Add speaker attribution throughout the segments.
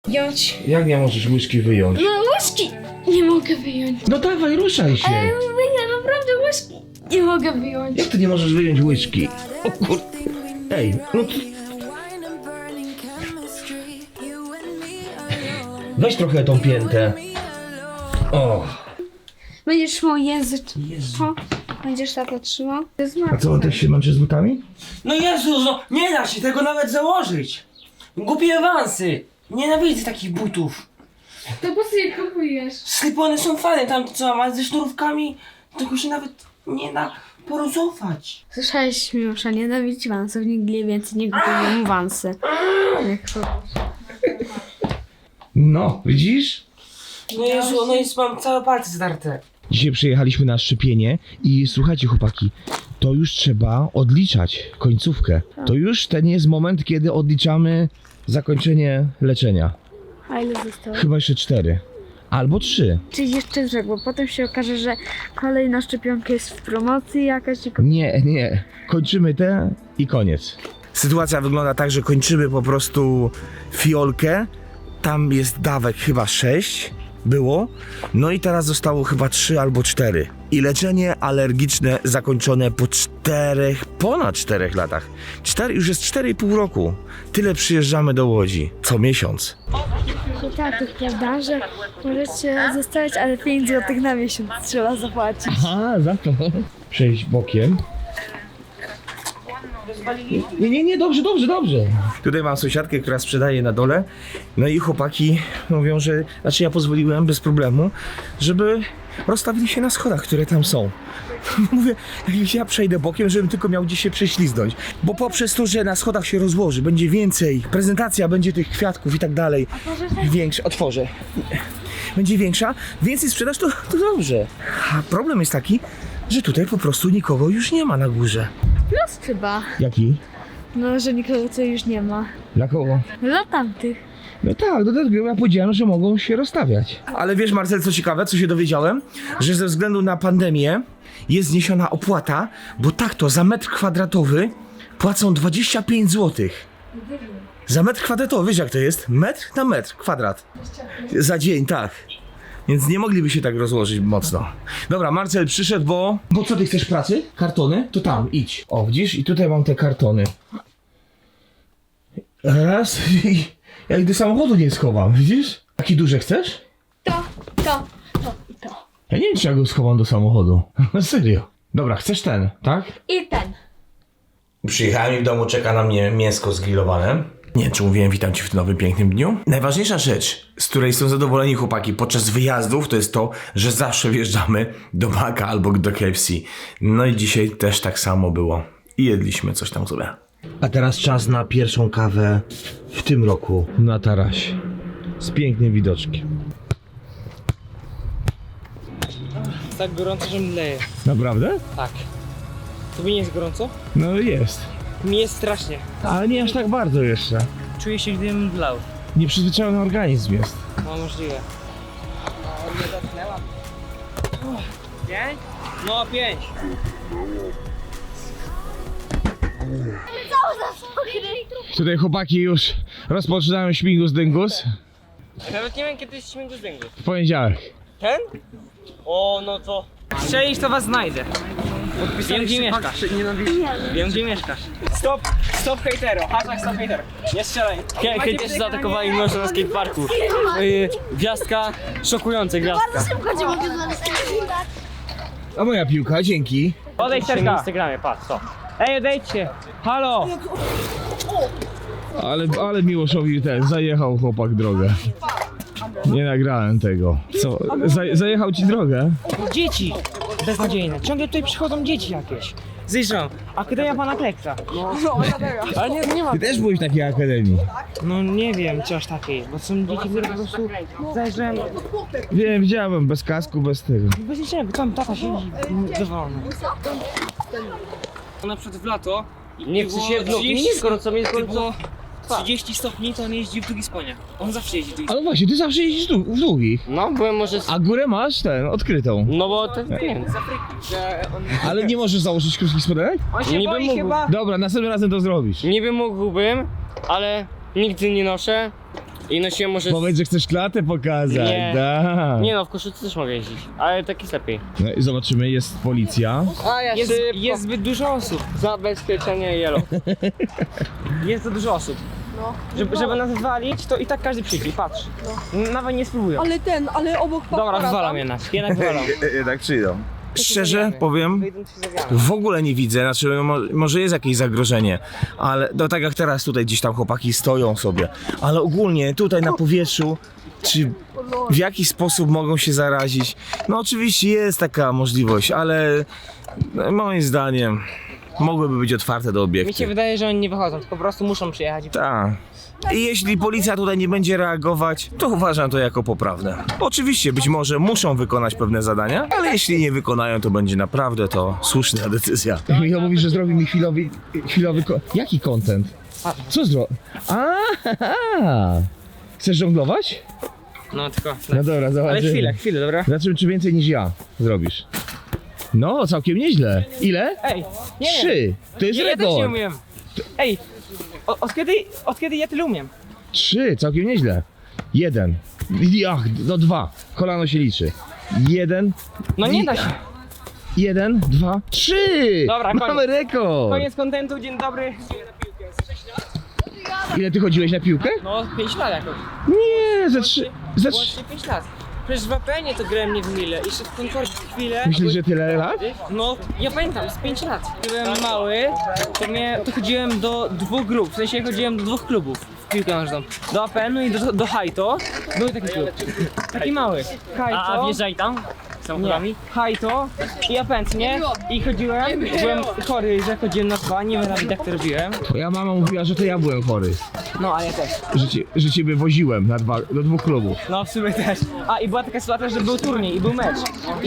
Speaker 1: Wyjąć.
Speaker 2: Jak nie możesz łyżki wyjąć?
Speaker 1: No łyżki nie mogę wyjąć.
Speaker 2: No dawaj, ruszaj się.
Speaker 1: Ale ja naprawdę łyżki nie mogę wyjąć.
Speaker 2: Jak ty nie możesz wyjąć łyżki? O kur... Ej, no to... Weź trochę tą piętę. O.
Speaker 1: Będziesz trzymał język. Będziesz tak trzymał.
Speaker 2: A co, on też się męczy z butami?
Speaker 3: No Jezu, no nie da się tego nawet założyć. Głupie awansy. Nienawidzę takich butów.
Speaker 1: To po co je kupujesz?
Speaker 3: Slipony są fajne, tam co ma ze sznurówkami, tego się nawet nie da porozować.
Speaker 1: Słyszałeś, Miłosza, nienawidzi wansów. Nigdy więcej nie kupuję wansy. Jak to?
Speaker 2: No, widzisz?
Speaker 3: No Jezu, no jest, mam całe palce zdarte.
Speaker 2: Dzisiaj przyjechaliśmy na szczepienie i słuchajcie chłopaki, to już trzeba odliczać końcówkę. To już ten jest moment, kiedy odliczamy zakończenie leczenia.
Speaker 1: A ile zostało?
Speaker 2: Chyba jeszcze 4. Albo 3.
Speaker 1: Czyli jeszcze rzekł, bo potem się okaże, że kolejna szczepionka jest w promocji jakaś i...
Speaker 2: Nie. Kończymy te i koniec. Sytuacja wygląda tak, że kończymy po prostu fiolkę. Tam jest dawek chyba 6 było. No i teraz zostało chyba 3 albo 4. I leczenie alergiczne zakończone po ponad 4 latach. Już jest 4,5 roku. Tyle przyjeżdżamy do Łodzi. Co miesiąc.
Speaker 1: I tak, to prawda, że możecie zostawić, ale 5 zł na miesiąc trzeba zapłacić.
Speaker 2: Aha, za to. Przejść bokiem. Nie, dobrze. Tutaj mam sąsiadkę, która sprzedaje na dole. No i chłopaki mówią, że... Znaczy ja pozwoliłem bez problemu, żeby rozstawili się na schodach, które tam są. Mówię, jak ja przejdę bokiem, żebym tylko miał gdzieś się prześliznąć. Bo poprzez to, że na schodach się rozłoży, będzie więcej, prezentacja będzie tych kwiatków i tak dalej. Większa, otworzę. Będzie większa, więcej sprzedaż, to dobrze. A problem jest taki, że tutaj po prostu nikogo już nie ma na górze.
Speaker 1: Plus chyba.
Speaker 2: Jaki?
Speaker 1: No, że nikogo co już nie ma.
Speaker 2: Dla kogo?
Speaker 1: Dla tamtych.
Speaker 2: No tak, do tego ja powiedziałem, że mogą się rozstawiać. Ale wiesz, Marcel, co ciekawe, co się dowiedziałem? Że ze względu na pandemię jest zniesiona opłata, bo tak to za metr kwadratowy płacą 25 zł. Za metr kwadratowy, wiesz jak to jest? Metr na metr, kwadrat. Za dzień, tak. Więc nie mogliby się tak rozłożyć mocno. Dobra, Marcel przyszedł, bo... Bo co, ty chcesz pracy? Kartony? To tam, idź. O, widzisz? I tutaj mam te kartony. Raz i... Ja ich do samochodu nie schowam, widzisz? Takie duże chcesz?
Speaker 1: To.
Speaker 2: Ja nie wiem, czy ja go schowam do samochodu. Serio. Dobra, chcesz ten, tak?
Speaker 1: I ten.
Speaker 2: Przyjechałem i w domu czeka na mnie mięsko zgrillowane. Nie wiem, czy mówiłem, witam cię w tym nowym, pięknym dniu. Najważniejsza rzecz, z której są zadowoleni chłopaki podczas wyjazdów, to jest to, że zawsze wjeżdżamy do Maka albo do KFC. No i dzisiaj też tak samo było. I jedliśmy coś tam sobie. A teraz czas na pierwszą kawę w tym roku na tarasie. Z pięknym widoczkiem.
Speaker 3: Jest tak gorąco, że mdleję.
Speaker 2: Naprawdę?
Speaker 3: Tak. Tobie nie jest gorąco?
Speaker 2: No jest.
Speaker 3: Mi jest strasznie.
Speaker 2: Ale nie aż tak bardzo jeszcze.
Speaker 3: Czuję się, gdybym mdlał.
Speaker 2: Nieprzyzwyczajony organizm jest.
Speaker 3: No możliwe. Nie dotknęłam. 5? No 5.
Speaker 2: Tutaj chłopaki już rozpoczynają śmigus dyngus.
Speaker 3: Nawet nie wiem, kiedy jest śmigus dyngus.
Speaker 2: W poniedziałek.
Speaker 3: Ten? O, no to... Strzelisz, to was znajdę. Wiem, gdzie mieszkasz. Wiem, gdzie mieszkasz. Stop hejtero. Hashtag stop hejtero. Nie strzelaj. Hejterzy zaatakowali męża na skateparku. Gwiazdka, szokujące gwiazdka.
Speaker 1: Szybko cię mogę znaleźć.
Speaker 2: A moja piłka, dzięki.
Speaker 3: Odejdź na Instagramie, patrz, co. Ej, odejdźcie. Halo.
Speaker 2: Ale Miłoszowi zajechał chłopak drogę. Nie nagrałem tego. Co? Zajechał ci drogę?
Speaker 3: Dzieci. Beznadziejne. Ciągle tutaj przychodzą dzieci jakieś. Zjeżdżam. Akademia pana Kleksa. Ale nie ma.
Speaker 2: Ty też byłeś w takiej akademii.
Speaker 3: No nie wiem, czy aż takiej, bo są dzieci, które po prostu zajrzałem.
Speaker 2: Wiem, widziałem, bez kasku, bez tego.
Speaker 3: Bez niczego, tam tata siedzi dowolny. Na przykład w lato nie chce się w nogi, nie jest gorąco, jest gorąco 30 stopni, to on jeździ w długich spodniach. On zawsze jeździ w długich.
Speaker 2: Ale właśnie, ty zawsze jeździsz w długich.
Speaker 3: No, byłem może...
Speaker 2: A górę masz odkrytą.
Speaker 3: No bo to nie wiem.
Speaker 2: Ale nie możesz założyć krótkich spodenek?
Speaker 3: On się
Speaker 4: Niby
Speaker 3: boi
Speaker 4: mógł.
Speaker 3: chyba.
Speaker 2: Dobra, następnym razem to zrobisz.
Speaker 4: Niby mógłbym, ale nigdy nie noszę.
Speaker 3: I nosiłem może...
Speaker 2: Powiedz, że chcesz klatę pokazać,
Speaker 3: Nie.
Speaker 2: da.
Speaker 3: Nie no, w koszulce też mogę jeździć, ale tak jest lepiej.
Speaker 2: No i zobaczymy, jest policja.
Speaker 3: Jest zbyt dużo osób. Zabezpieczenie yellow. Jest za dużo osób. Żeby nas walić, to i tak każdy przyjdzie, patrz. Nawet nie spróbują.
Speaker 4: Ale obok
Speaker 3: Dobra, wywalam jednak wywalam.
Speaker 2: Tak przyjdą. Szczerze powiem,
Speaker 3: Wyjdą ci zawiane.
Speaker 2: w ogóle nie widzę, znaczy no, może jest jakieś zagrożenie, ale no tak jak teraz tutaj gdzieś tam chłopaki stoją sobie, ale ogólnie tutaj na powietrzu, czy w jaki sposób mogą się zarazić? No oczywiście jest taka możliwość, ale moim zdaniem mogłyby być otwarte do
Speaker 3: Mi
Speaker 2: obiektu.
Speaker 3: się wydaje, że oni nie wychodzą, tylko po prostu muszą przyjechać.
Speaker 2: Tak. I jeśli policja tutaj nie będzie reagować, to uważam to jako poprawne. Oczywiście, być może muszą wykonać pewne zadania, ale jeśli nie wykonają, to będzie naprawdę to słuszna decyzja. Michał mówi, że zrobi mi chwilowy jaki content? Co zrobi? Chcesz żonglować?
Speaker 3: No tylko.
Speaker 2: No dobra,
Speaker 3: Ale
Speaker 2: zobaczymy.
Speaker 3: chwilę, dobra?
Speaker 2: Zobaczymy, czy więcej niż ja zrobisz. No, całkiem nieźle. Ile?
Speaker 3: Ej, nie.
Speaker 2: 3. To jest
Speaker 3: Ja też nie
Speaker 2: rekord.
Speaker 3: umiem. Ej, od kiedy ja tyle umiem?
Speaker 2: 3, całkiem nieźle. 1. Ach, no 2. Kolano się liczy. 1.
Speaker 3: No nie da się.
Speaker 2: 1, 2, 3!
Speaker 3: Dobra, koniec.
Speaker 2: Mamy rekord!
Speaker 3: Koniec kontentu, dzień dobry.
Speaker 2: Ile ty chodziłeś na piłkę?
Speaker 3: No, 5 lat jakoś.
Speaker 2: Nie, ze 3.
Speaker 3: Łącznie 5 lat. Przecież w APN-ie to grałem nie w Mile. Jeszcze w Concordzie chwilę.
Speaker 2: Myślisz, że tyle lat?
Speaker 3: No, ja pamiętam, z 5 lat. Kiedy byłem mały, to chodziłem do 2 grup. W sensie chodziłem do 2 klubów w piłkę nożną. Do APN-u i do Hajto. Był taki klub. Taki mały. Hajto.
Speaker 5: A wjeżdżaj tam samochodami?
Speaker 3: Hajto i APN, nie? I chodziłem, byłem chory, że chodziłem na 2, nie wiem nawet jak to robiłem.
Speaker 2: Twoja mama mówiła, że to ja byłem chory.
Speaker 3: No, a ja też.
Speaker 2: Że ciebie woziłem do 2 klubów.
Speaker 3: No, w sumie też. A i była taka sytuacja, że był turniej i był mecz.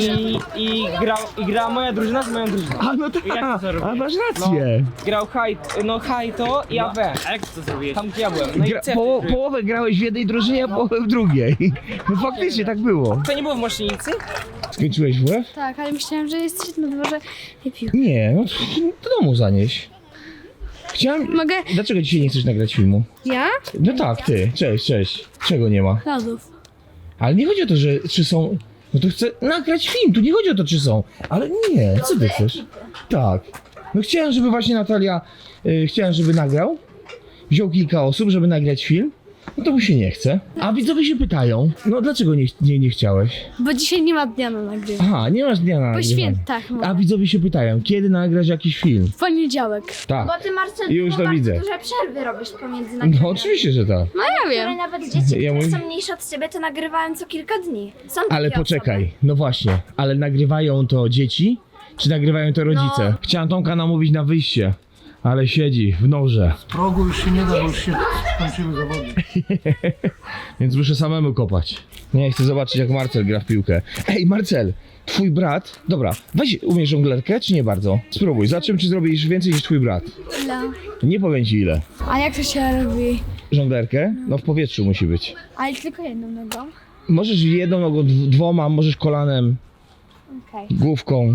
Speaker 3: I grała moja drużyna z moją drużyną.
Speaker 2: A no tak,
Speaker 3: Jak to zrobiłeś?
Speaker 2: a masz rację.
Speaker 3: Grał Hajto i AB.
Speaker 5: A jak to zrobiłeś?
Speaker 3: Tam gdzie ja byłem. No i C.
Speaker 2: Połowę grałeś w jednej drużynie, a połowę w drugiej. No faktycznie tak było.
Speaker 3: To nie było w Mosznicy?
Speaker 2: Skończyłeś WF?
Speaker 1: Tak, ale myślałam, że jesteś na dworze i pił.
Speaker 2: Nie, no do domu zanieś. Chciałem...
Speaker 1: Mogę?
Speaker 2: Dlaczego dzisiaj nie chcesz nagrać filmu?
Speaker 1: Ja?
Speaker 2: No tak, ty. Cześć. Czego nie ma?
Speaker 1: Lodów.
Speaker 2: Ale nie chodzi o to, że czy są... No to chcę nagrać film, tu nie chodzi o to, czy są. Ale nie, co ty chcesz? Tak. No chciałem, żeby właśnie Natalia... chciałem, żeby nagrał. Wziął kilka osób, żeby nagrać film. No to mu się nie chce. A widzowie się pytają, no dlaczego nie chciałeś?
Speaker 1: Bo dzisiaj nie ma dnia na nagrywanie.
Speaker 2: Aha, nie masz dnia na
Speaker 1: Po
Speaker 2: nagrywanie.
Speaker 1: świętach.
Speaker 2: A widzowie się pytają, kiedy nagrać jakiś film?
Speaker 1: W poniedziałek.
Speaker 2: Tak.
Speaker 6: Bo ty, Marcel,
Speaker 2: Już to
Speaker 6: bardzo
Speaker 2: widzę.
Speaker 6: duże przerwy robisz pomiędzy nagraniami.
Speaker 2: No oczywiście, że tak.
Speaker 1: No ja
Speaker 6: Które
Speaker 1: wiem.
Speaker 6: nawet dzieci,
Speaker 2: Ja
Speaker 6: które
Speaker 2: mówię-
Speaker 6: są mniejsze od ciebie, to nagrywają co kilka dni. Są
Speaker 2: Ale
Speaker 6: takie
Speaker 2: poczekaj, no właśnie, ale nagrywają to dzieci, czy nagrywają to rodzice?
Speaker 6: No.
Speaker 2: Chciałem Tomka namówić na wyjście, ale siedzi w noże,
Speaker 7: Progu już się nie da, bo już się skończyły zawody.
Speaker 2: więc muszę samemu kopać. Nie, chcę zobaczyć jak Marcel gra w piłkę. Ej Marcel, twój brat, dobra, weź umiesz żonglerkę, czy nie bardzo? Spróbuj, zobaczymy czy zrobisz więcej niż twój brat.
Speaker 1: Ile?
Speaker 2: Nie powiem ci ile.
Speaker 1: A jak to się robi?
Speaker 2: Żonglerkę? No w powietrzu musi być.
Speaker 1: Ale tylko jedną nogą.
Speaker 2: Możesz jedną nogą, dwoma, możesz kolanem,
Speaker 1: Okej.
Speaker 2: główką.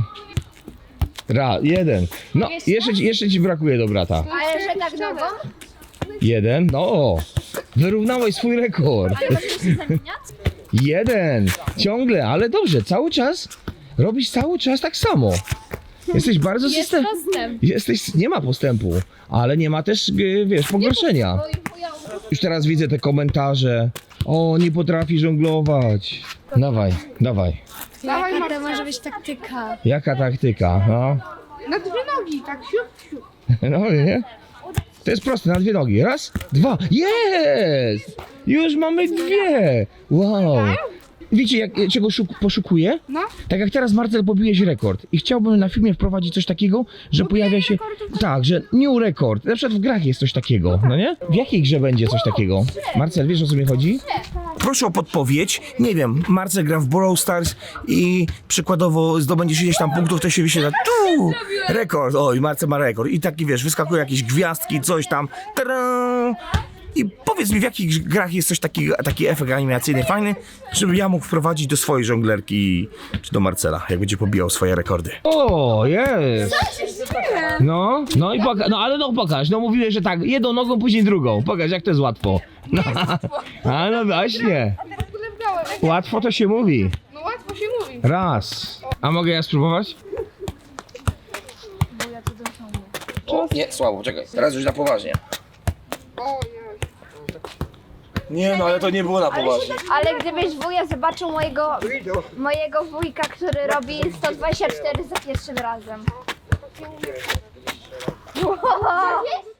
Speaker 2: Jeden. No, jeszcze ci brakuje do brata.
Speaker 6: Ale że tak nogą?
Speaker 2: Jeden. No, wyrównałeś swój rekord.
Speaker 6: Ale możesz się zamieniać?
Speaker 2: Jeden. Ciągle, ale dobrze, cały czas. Robisz cały czas tak samo. Jesteś bardzo
Speaker 1: Jest postęp.
Speaker 2: nie ma postępu, ale nie ma też, wiesz, pogorszenia. Już teraz widzę te komentarze. O, nie potrafi żonglować. Dawaj.
Speaker 1: Jaka to może być taktyka?
Speaker 2: Jaka taktyka, no?
Speaker 4: Na 2 nogi, tak siup.
Speaker 2: No nie? To jest proste, na 2 nogi. Raz, 2. Jest! Już mamy 2. Wow. Wiecie, czego poszukuję?
Speaker 4: No.
Speaker 2: Tak jak teraz Marcel pobiłeś rekord i chciałbym na filmie wprowadzić coś takiego, że pojawia się... Tak, że new rekord. Na przykład w grach jest coś takiego, no nie? W jakiej grze będzie coś takiego? Marcel, wiesz o co mi chodzi? Proszę o podpowiedź. Nie wiem, Marcel gra w Brawl Stars i przykładowo zdobędziesz ileś tam punktów, to się wyświetla tu rekord. Oj, Marcel ma rekord. I taki wiesz, wyskakują jakieś gwiazdki, coś tam. Tadam! I powiedz mi, w jakich grach jest coś taki efekt animacyjny fajny, żeby ja mógł wprowadzić do swojej żonglerki, czy do Marcela, jak będzie pobijał swoje rekordy. O, jest! No i pokaż, no mówiłeś, że tak, jedną nogą, później drugą. Pokaż, jak to jest łatwo. No, a no właśnie. Łatwo to się mówi.
Speaker 4: No łatwo się mówi.
Speaker 2: Raz. A mogę ja spróbować? O, nie, słabo, czekaj, teraz już na poważnie. Nie, no ale to nie było na poważnie.
Speaker 6: Ale gdybyś wuja zobaczył mojego wujka, który robi 124 za pierwszym razem. Wow.